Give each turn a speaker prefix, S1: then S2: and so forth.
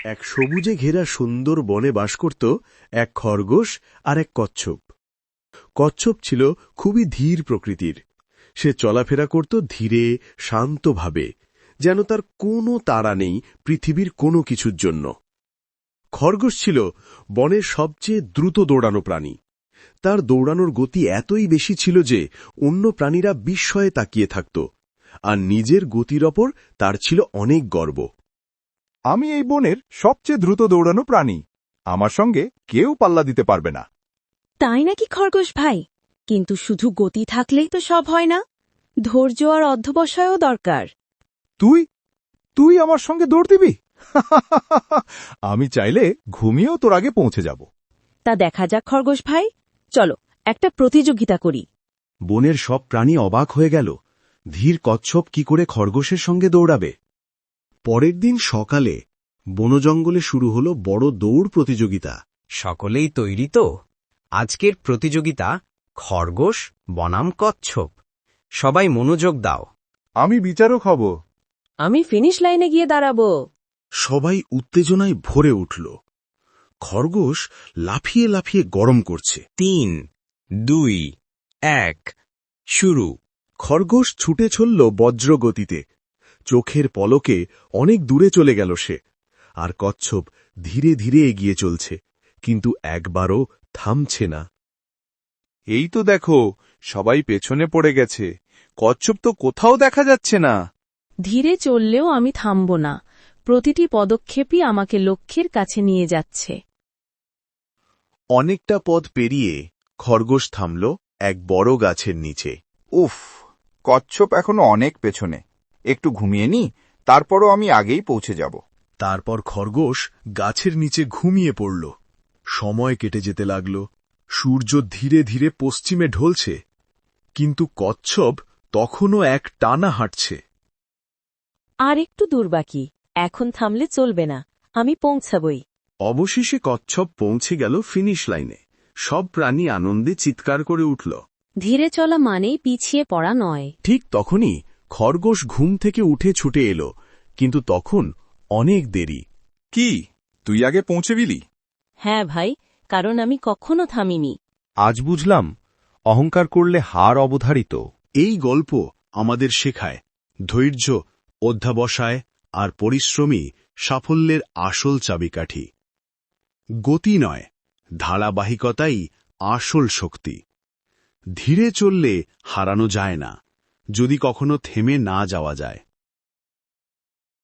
S1: এক সবুজে ঘেরা সুন্দর বনে বাস করত এক খরগোশ আর এক কচ্ছপ। কচ্ছপ ছিল খুবই ধীর প্রকৃতির। সে চলাফেরা করত ধীরে, শান্তভাবে, যেন তার কোনো তাড়া নেই পৃথিবীর কোনো কিছুর জন্য। খরগোশ ছিল বনের সবচেয়ে দ্রুত দৌড়ানো প্রাণী। তার দৌড়ানোর গতি এতই বেশি ছিল যে অন্য প্রাণীরা বিস্ময়ে তাকিয়ে থাকত, আর নিজের গতির ওপর তার ছিল অনেক গর্ব।
S2: আমি এই বনের সবচেয়ে দ্রুত দৌড়ানো প্রাণী, আমার সঙ্গে কেউ পাল্লা দিতে পারবে না।
S3: তাই নাকি খরগোশ ভাই? কিন্তু শুধু গতি থাকলেই তো সব হয় না, ধৈর্য আর অধ্যবসায়ও দরকার।
S2: তুই তুই আমার সঙ্গে দৌড় দিবি? আমি চাইলে ঘুমিয়েও তোর আগে পৌঁছে যাব।
S3: তা দেখা যাক খরগোশ ভাই, চলো একটা প্রতিযোগিতা করি।
S1: বনের সব প্রাণী অবাক হয়ে গেল, ধীর কচ্ছপ কি করে খরগোশের সঙ্গে দৌড়াবে। পরের দিন সকালে বনজঙ্গলে শুরু হল বড় দৌড় প্রতিযোগিতা।
S4: সকলেই তৈরি তো? আজকের প্রতিযোগিতা খরগোশ বনাম কচ্ছপ। সবাই মনোযোগ দাও।
S2: আমি বিচারক হব।
S3: আমি ফিনিশ লাইনে গিয়ে দাঁড়াবো।
S1: সবাই উত্তেজনায় ভরে উঠল। খরগোশ লাফিয়ে লাফিয়ে গরম করছে।
S4: 3, 2, 1 শুরু।
S1: খরগোশ ছুটে চলল বজ্রগতিতে। চোখের পলকে অনেক দূরে চলে গেল সে। আর কচ্ছপ ধীরে ধীরে এগিয়ে চলছে, কিন্তু একবারও থামছে না।
S2: এই তো দেখো, সবাই পেছনে পড়ে গেছে। কচ্ছপ তো কোথাও দেখা যাচ্ছে না।
S3: ধীরে চললেও আমি থামব না, প্রতিটি পদক্ষেপই আমাকে লক্ষ্যের কাছে নিয়ে যাচ্ছে।
S1: অনেকটা পথ পেরিয়ে খরগোশ থামল এক বড় গাছের নিচে।
S2: উফ, কচ্ছপ এখনো অনেক পেছনে। একটু ঘুমিয়ে নি, তারপরও আমি আগেই পৌঁছে যাব।
S1: তারপর খরগোশ গাছের নিচে ঘুমিয়ে পড়ল। সময় কেটে যেতে লাগল। সূর্য ধীরে ধীরে পশ্চিমে ঢলছে, কিন্তু কচ্ছপ তখনও এক টানা হাঁটছে।
S3: আর একটু দূর বাকি, এখন থামলে চলবে না, আমি পৌঁছাবই।
S1: অবশেষে কচ্ছপ পৌঁছে গেল ফিনিশ লাইনে। সব প্রাণী আনন্দে চিৎকার করে উঠল।
S3: ধীরে চলা মানেই পিছিয়ে পড়া নয়।
S1: ঠিক তখনই খরগোশ ঘুম থেকে উঠে ছুটে এলো, কিন্তু তখন অনেক দেরি।
S2: কি, তুই আগে পৌঁছে গেলি?
S3: হ্যাঁ ভাই, কারণ আমি কখনো থামিনি।
S2: আজ বুঝলাম, অহংকার করলে হার অবধারিত।
S1: এই গল্প আমাদের শেখায় ধৈর্য, অধ্যবসায় আর পরিশ্রমী সাফল্যের আসল চাবিকাঠি। গতি নয়, ধারাবাহিকতাই আসল শক্তি। ধীরে চললে হারানো যায় না, যদি কখনো থেমে না যাওয়া যায়।